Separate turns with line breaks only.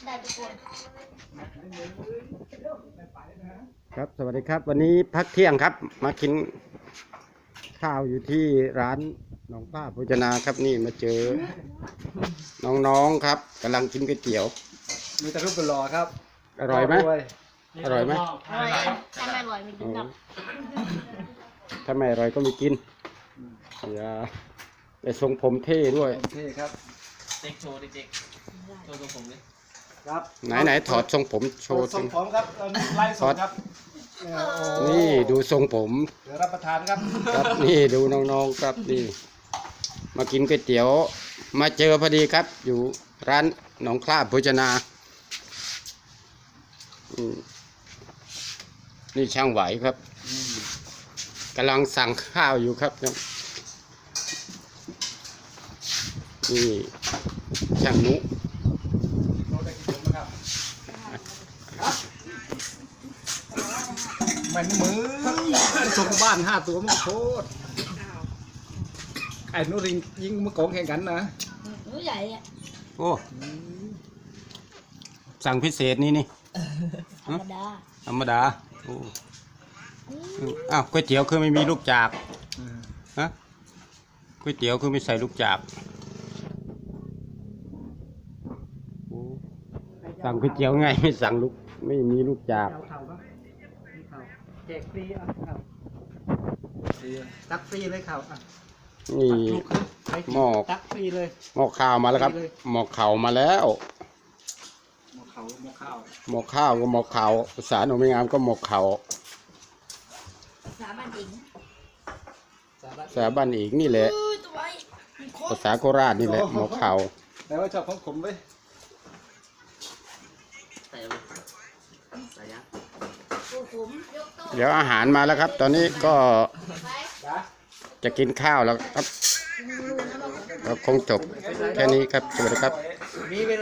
ได้ทุกคน
ครับสวัสดีครับวันนี้พักเที่ยงครับมากินข้าวอยู่ที่ร้านหนองป้าโภชนาครับนี่มาเจอน้องๆครับกำลังกินก๋วยเตี๋ยว
มีแต่รูปเป็นหล่อครับ
อร่อยไหมอร่อยไหม
อร่อยถ้าไม่อร่อยไม่กินครับ
ถ้าไม่อร่อยก็ไม่กินอย่าไปทรงผมเท่ด้วย
โอเคครับ
เด็กโชว์เด็กๆโชว์ตัวผมเลย
ครับ
ไหนถอดทรงผมโชว์
ส่
สิ
งผมครับไล่สดครับโอ้
นี่ดูทรงผม
เดี๋ยวรับประทานครับ
ครับนี่ดูน้องๆครับนี่มากินก๋วยเตี๋ยวมาเจอพอดีครับ อยู่ร้านหนองคล้าโภชนานี่ช่างไหวครับกำลังสั่งข้าวอยู่ครับนี่ช่างนุ
เราได้กินผมนะครับมันมือส่งบ้าน5 ตัวมันโคตรไอ้นุริงยิงมือกองแข่งกันนะ
หนูใหญ่อะ
โอ้สั่งพิเศษนี่
ธรรมดา
ธรรมดาโอ้อ้าวก๋วยเตี๋ยวคือไม่มีลูกจากฮะก๋วยเตี๋ยวคือไม่ใส่ลูกจากโอ้สั่งก๋วยเตี๋ยวไงไม่สั่งลูกไม่มีลูกจาก
แจกฟรีอ่ะตักฟรีเลยข่าวอ่ะ
นี่ หม้อ
ตักฟรีเลย
หม้อข้าวมาแล้วครับหม้อข้าวมาแล้ว
หม้อเขาหม้อข้าว
หม้อข้าวก็หม้อข้าวภาษาหนูไม่งามก็หม้อข้าว
สาบันเอง
ภาษาบ้านอีกนี่แหละ
ตัวไอ้มีโค
ภาษาโคราชนี่แหละหม้อข้าว
แต่ว่าชอบของผมเว้ย
ใส่เลยใส่ยักษ์
ตัวผมยกโต๊ะ
เดี๋ยวอาหารมาแล้วครับ ตอนนี้ก็
ไป
จ้ะ
จะกินข้าวแล้วครับ
ดูนะบอก
ก็คงจบแค่นี้ครับ สวัสดีครับ
มีเวลา